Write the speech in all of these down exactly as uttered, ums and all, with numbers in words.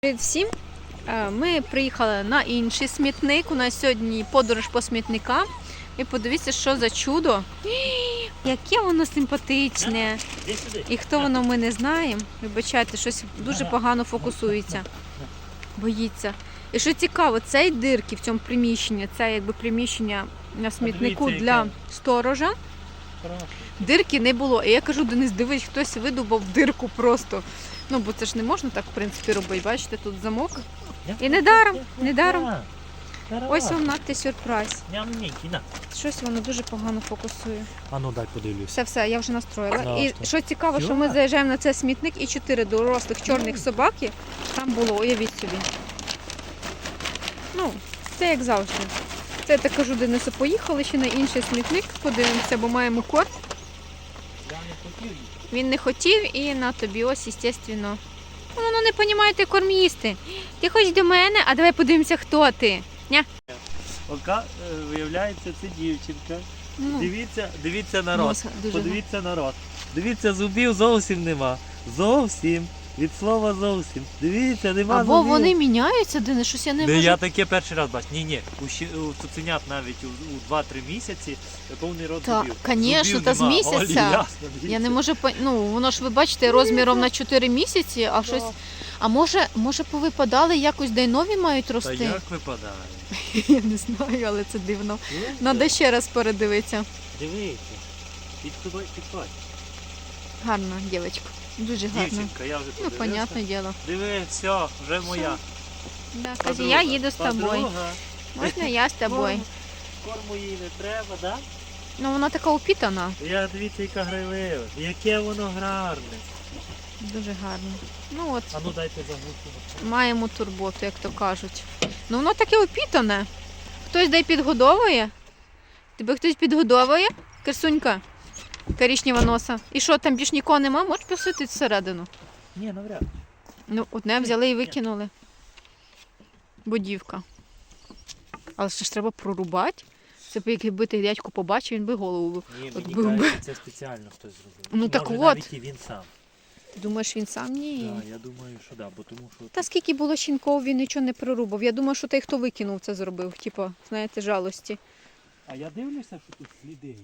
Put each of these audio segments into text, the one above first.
Привіт всім! Ми приїхали на інший смітник. У нас сьогодні подорож по смітникам. І подивіться, що за чудо. Яке воно симпатичне. І хто воно, ми не знаємо. Вибачайте, щось дуже погано фокусується. Боїться. І що цікаво, цей дирки в цьому приміщенні, це якби приміщення на смітнику для сторожа. Дирки не було. І я кажу, Денис, дивись, хтось видубав дирку просто. Ну, бо це ж не можна так, в принципі, робити. Бачите, тут замок. І недаром, недаром. Ось вам надте сюрприз. Щось воно дуже погано фокусує. А ну дай подивлюсь. Все, все, я вже настроїла. Да, і що? що цікаво, що ми заїжджаємо на цей смітник і чотири дорослих чорних собаки там було, уявіть собі. Ну, це як завжди. Це я так кажу, Денису, поїхали ще на інший смітник, подивимося, бо маємо корм. Він не хотів і на тобі ось, звісно. Ну, воно не розумієте корм їсти. Ти хочеш до мене, а давай подивимося, хто ти. Ня? Ока, виявляється, це дівчинка. Ну, Дивіться, дивіться на рот. носа дуже Подивіться на рот. Дивіться, зубів зовсім нема. Зовсім. Від слова зовсім. Дивіться, нема Або зубів. вони міняються, Денис, щось я не Не, можу. я таке перший раз бачу. Ні, ні, у, щі- у цуценят навіть у, у два-три місяці повний рот Так, зубів. конечно, Зубів та з нема. місяця. Олі, ясно, Я дивіться. не можу, пон- ну, воно ж ви бачите, розміром на чотири місяці, а щось. А може, може повипадали якось, де й нові мають Та рости? як випадає? Я не знаю, але це дивно. Надо ще раз передивитися. Дивіться. Підходь, підходь. Гарна дівчинка. Дуже гарна. Дівчинка, я вже Ну, подивився. понятне діло. Диви, все, вже моя. Да, каже, Подруга. я їду з тобою. Подруга. Можна я з тобою? Корму, корму їй не треба, так? Ну, вона така упітана. Да? Я дивіться, яка грайлива. Яке воно гарне. Дуже гарна. Ну от, А ну дайте загрузку. маємо турботу, як то кажуть. Ну, воно таке опітане. Хтось дай підгодовує? Тебе хтось підгодовує? Красунька, коричнева носа. І що, там більш нікого нема? Можеш посвітити всередину? Ні, навряд. Ну, одне взяли і викинули. Будівка. Але ще ж треба прорубати. Це б якби ти дядько побачив, він би голову. Ні, От мені був би. кажуть, це спеціально хтось зробив. Ну, так Може, от. навіть і він сам. Думаєш, він сам? Ні. Так, я думаю, що да, бо тому що... Та скільки було щінков, він нічого не прорубав. Я думаю, що той, хто викинув, це зробив. Типа, знаєте, жалості. А я дивлюся, що тут сліди є.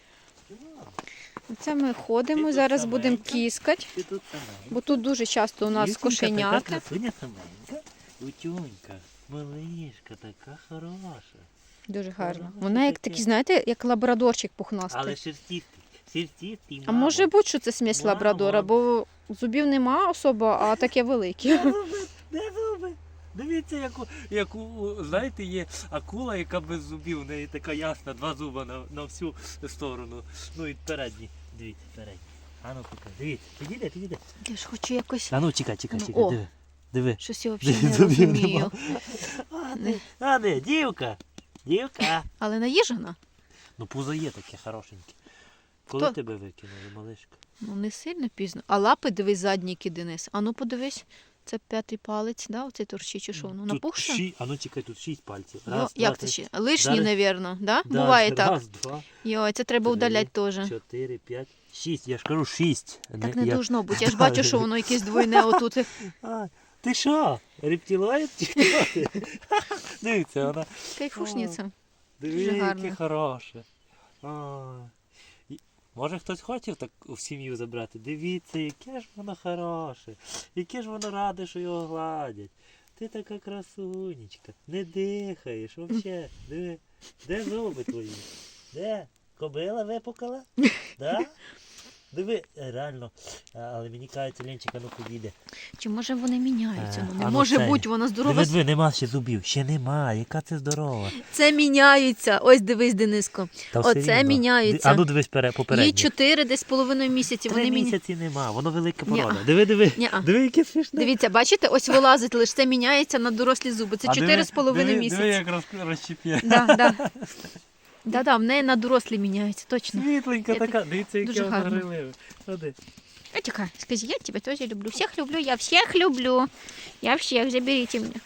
Це ми ходимо, Ти тут зараз будемо саменька? кіскати, Ти тут саменька. бо тут дуже часто у нас Дівчинка кошенята. Така красуня саменька. Утюнька, малишка, така хороша. Дуже гарно. Ага, Вона як таке. такий, знаєте, як лабрадорчик пухнастий. Але шерстістий. Шерстістий, А може бути, що це смесь Мамо. лабрадора, бо зубів нема особо, а таке велике. Де зуби? Де зуби? Дивіться, яку, яку, знаєте, є акула, яка без зубів, у неї така ясна, два зуба на, на всю сторону. Ну і передні, дивіться, передні. А ну поки, дивіться, підійде, підійде. Я ж хочу якось. А ну чекай, чекай, Ну, чекай, о. диви. Диви. Щось я взагалі не Зубів розумію. нема. А не, а не, дівка, дівка. Але наїжена? Ну пузо є таке хорошеньке. Коли Хто? тебе викинули, малишка? Ну не сильно пізно. А лапи дивись задні, які, Денис. А ну подивись, це п'ятий палець, да? Оцей торчить чи що? Ну Тут напухше? ші... А ну чекай, тут шість пальців. Йо, Раз, як два, це три. ще? Лишні, Зараз- напевно, да? Да, Буває так. Раз, два, Йой, це треба три, удаляти теж. чотири, п'ять, шість. Я ж кажу шість. Так не я... должно бути. Я ж бачу, що воно якесь двойне отут. А, ти що? Рептилоїд чи хто ти? Дивіться, вона. Кайфушниця. Диви, Дуже яке гарно. хороше. А, і- Може хтось хотів так в сім'ю забрати? Дивіться, яке ж воно хороше. Яке ж воно раде, що його гладять. Ти така красунечка. Не дихаєш взагалі. Диви. Де зуби твої? Де? Кобила випукала? Да? Диви, е, реально. А, Але мені кажеться, Ленчика, ну підійде. Чи може вони міняються? Е, Ну не а ну може це- бути, вона здорова. Диви, диви, нема ще зубів. Ще нема. Яка це здорова. Це міняються. Ось дивись, Дениско. Та все Оце рівно. міняється. Ди- А ну дивись пере- попереднє. Їй чотири десь з половиною місяці. Три Вони міня... місяці нема, воно велика Ні-а. порода. Диви, диви, Ні-а. диви, яке смішне. Дивіться, бачите, ось вилазить лише це міняється на дорослі зуби. Це А чотири диви, з половиною диви, місяці. Диви, як роз, розчіп'є. Да, да. Да, да, в неї на дорослі міняється, точно. Світленька Я така, дивіться, яке дуже воно гарно. гриливе. Ходи. А тихо, скажи, я тебя тоже люблю. Всех люблю, я всех люблю. Я всех, заберите меня.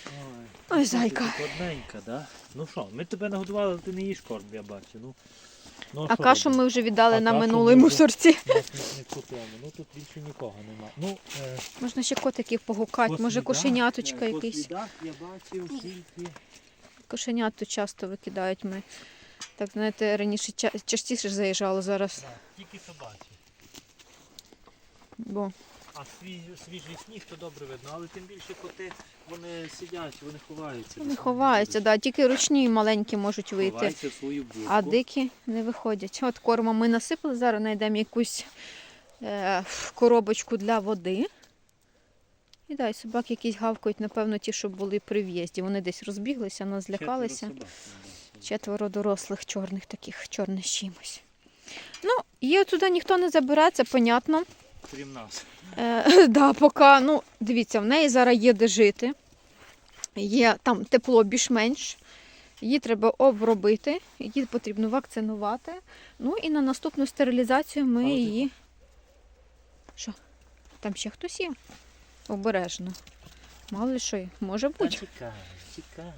Ой, Ой, зайка. ти Одненька, да? Ну що, ми тебе нагодували, але ти не їш корм, я бачу. Ну, Ну, А що кашу робити? ми вже віддали А на кашу минулій ми вже- мусорці. На смітнику тому. Ну тут більше нікого немає. Ну, е, Можна ще котиків погукати, по може слідах, кошеняточка е, По якийсь. слідах я бачив тільки. Кошенят тут часто викидають ми. Так, знаєте, раніше ча- частіше заїжджало зараз. Да, тільки собачі. Бо А свіжий, свіжий сніг то добре видно, але тим більше коти вони сидять, вони ховаються. вони десь ховаються, да, тільки ручні і маленькі можуть вийти. Ховаються в свою будку. А дикі не виходять. От корма ми насипали, зараз знайдемо якусь е, коробочку для води. І дай, собаки якісь гавкають, напевно, ті, що були при в'їзді. Вони десь розбіглися, нас злякалися. Четверо собак, да. Четверо дорослих чорних таких, чорних з чимось. Ну, її туди ніхто не забере, це понятно. Крім нас. Е, да, поки, ну, дивіться, в неї зараз є де жити. Є там тепло більш-менш. Її треба обробити, її потрібно вакцинувати. Ну і на наступну стерилізацію ми Але ти- її. Що? Там ще хтось є? Обережно. Мало ли що, є. може Та бути. чекай, чекай.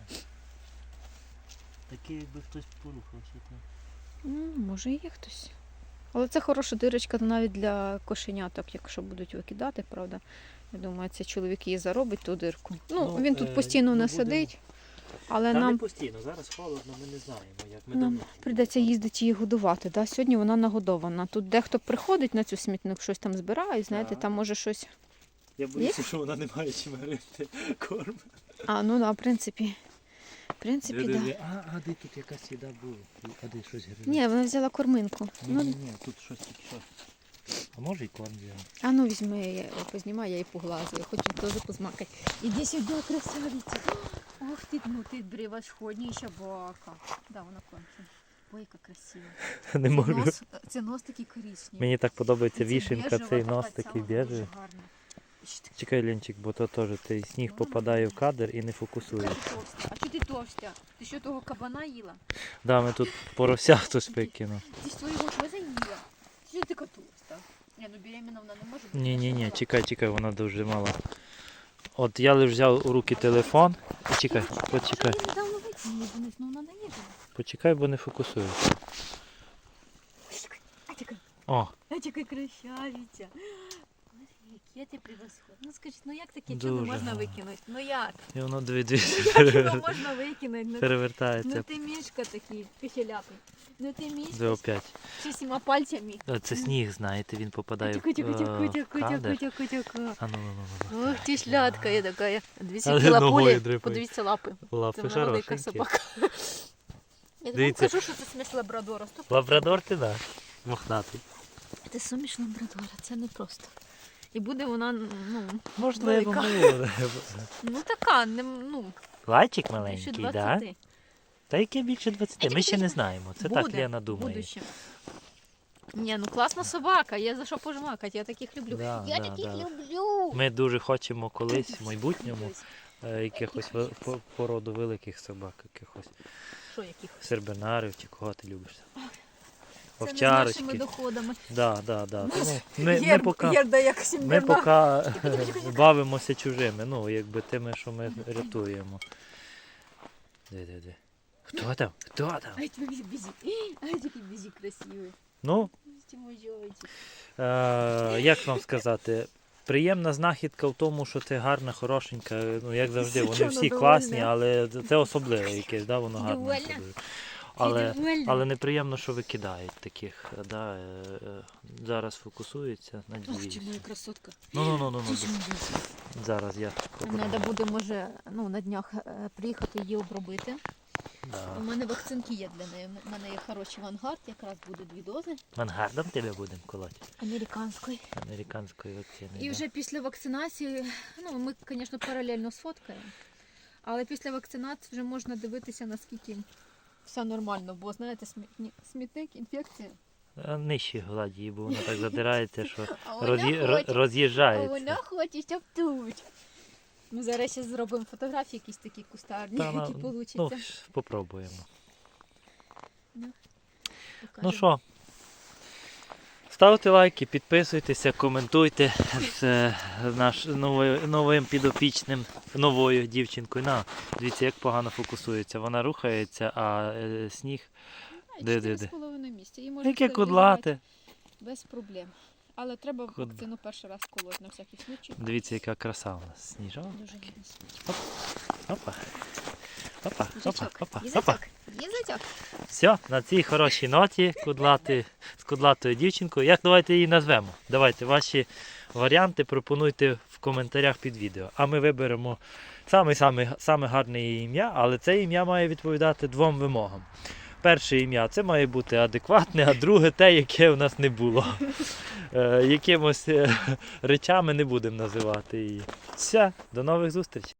Таке, якби хтось порухався там. Ну, може і є хтось. Але це хороша дирочка навіть для кошеняток, якщо будуть викидати, правда. Я думаю, це чоловік її заробить ту дирку. Ну, Ну, він е, тут постійно ну, не будемо- сидить, але Та нам не постійно, зараз холодно, ми не знаємо, як ми Нам давно. прийдеться їздити її годувати. Да? Сьогодні вона нагодована. Тут дехто приходить на цю смітник, щось там збирає, знаєте, Так. там може щось. Я боюся, що вона не має чим грити корм. А, ну да, в принципі. В принципі, так. Да. А, а де тут якась їда була? А де щось гризе? Ні, вона взяла корминку. Ні, Ну, ні, ні, тут щось тільки що. А може і корм взяла? а ну візьми, я познімаю, я її поглазую, я хочу теж позмакати. Іди сюди, красавиця. Ох ти, ну ти превосходнейша собака. Да, вона кончена. Ой, яка красива. Не Це можу. нос, це нос такий коричневий. Мені так подобається Це вішенка, біжева цей така нос ця, такий вона дуже біжевий. гарна. Що ти Чекай, Ленчик, бо то теж цей сніг попадає в кадр і не фокусує. така товста? А чого ти товста? Ти що того кабана їла? Да, ми тут порося хтось викинув. Ти ж твоєго теж їла? Ти що ти така товста? Ні, ну беременна вона не може бути. Ні, ні, ні, Мала. чекай, чекай, вона дуже мала. От я лише взяв у руки телефон. І чекай, почекай. Може, її недавно викинули вниз, ну вона не їде. Почекай, бо не фокусує. А тільки, О, а тільки красавиця. Боже, яке ти превосходне. Ну скажіть, ну як таке чудо Дуже можна гарно. викинути? Ну як? і воно дві дві Як його можна викинути? Ну, перевертається. ну ти мішка такий, кишеляпий. Ну ти Де мішка опять. з всіма пальцями. А, Це сніг, знаєте, він попадає в Тихо, тихо, тихо, е, тихо, кадр. тихо, тихо, тихо. А ну, ну, ну, ну. Ох, ти шлятка я така. Дивіться, Але які ногою лапулі. дрипає. Подивіться лапи. Це Лапи вона велика хорошенькі. собака. Я вам Дивіться. кажу, що це смесь лабрадора. Стоп. Лабрадор ти, да. Мохнатий. Це суміш лабрадора, це не просто. І буде вона, ну, Можливо, Велика. можливо. ну така, не, ну, Лайчик більше маленький, так? Да? двадцяти. Та яке більше двадцяти? Ми ще не знаємо. Це так Лена думає. Буде ще. Ні, ну класна собака, є за що пожмакати, я таких люблю. Да, я да, таких да. люблю. Ми дуже хочемо колись в майбутньому е, якихось ви- по- породу великих собак, якихось Що яких? сербернарів чи кого ти любиш. Це не з Овчарочки. нашими доходами. Да, да, да. Тому ми, ми Герб, поки, Герда як ми Сімберна. поки бавимося чужими, ну, якби тими, що ми рятуємо. Диви, диви, диви. Хто там? Хто там? Ай, твій бізі. Ай, такий бізі красивий. Ну, Ти мой зайчик. Е, як вам сказати, приємна знахідка в тому, що ти гарна, хорошенька, ну як завжди, вони Чого всі довольна? класні, але це особливе якесь, да, воно Ти гарне. довольна? особливе. Але, довольна? але неприємно, що викидають таких, да, е, е, зараз фокусується, Ох, надіюсь. ти моя красотка. Ну, ну, ну, ну, Ти ж ну, моя. зараз я попробую. Треба буде, може, ну, на днях е, приїхати її обробити. У Да. мене вакцинки є для неї. У мене є хороший вангард, якраз буде дві дози Мангардом тебе будемо колоти, американської. американської вакцини. І да. вже після вакцинації, ну ми, звісно, паралельно сфоткаємо, але після вакцинації вже можна дивитися, наскільки все нормально, бо знаєте, смітні- смітник, інфекція. А нижчі гладі, бо вона так задирається, що А вона роз'ї- хоче, ро- а роз'їжджається. вона хоче, щоб тут. Ми зараз ще зробимо фотографії якісь такі кустарні, Та, які ну, вийдуть. ну, попробуємо. Ну Покажемо. що, ставте лайки, підписуйтеся, коментуйте з е, наш новою, новим підопічним, новою дівчинкою. На, дивіться, як погано фокусується. Вона рухається, а е, сніг Де, де, чотири з де? половиною місяці. Її можна Яке стерилізувати кудлате. без проблем. Але треба Куд- вакцину перший раз колоть на всякий случай. Дивіться, яка краса у нас. Сніжок. Дуже гарно. Опа. Опа, опа, Їжачок. опа, опа. Їжачок. Їжачок. Все, на цій хорошій ноті кудлати, з кудлатою дівчинкою. Як давайте її назвемо? Давайте ваші варіанти пропонуйте в коментарях під відео. А ми виберемо саме, саме, саме гарне її ім'я, але це ім'я має відповідати двом вимогам. Перше ім'я це має бути адекватне, а друге те, яке у нас не було. Е, якимось е, речами не будемо називати її. Все, до нових зустрічей.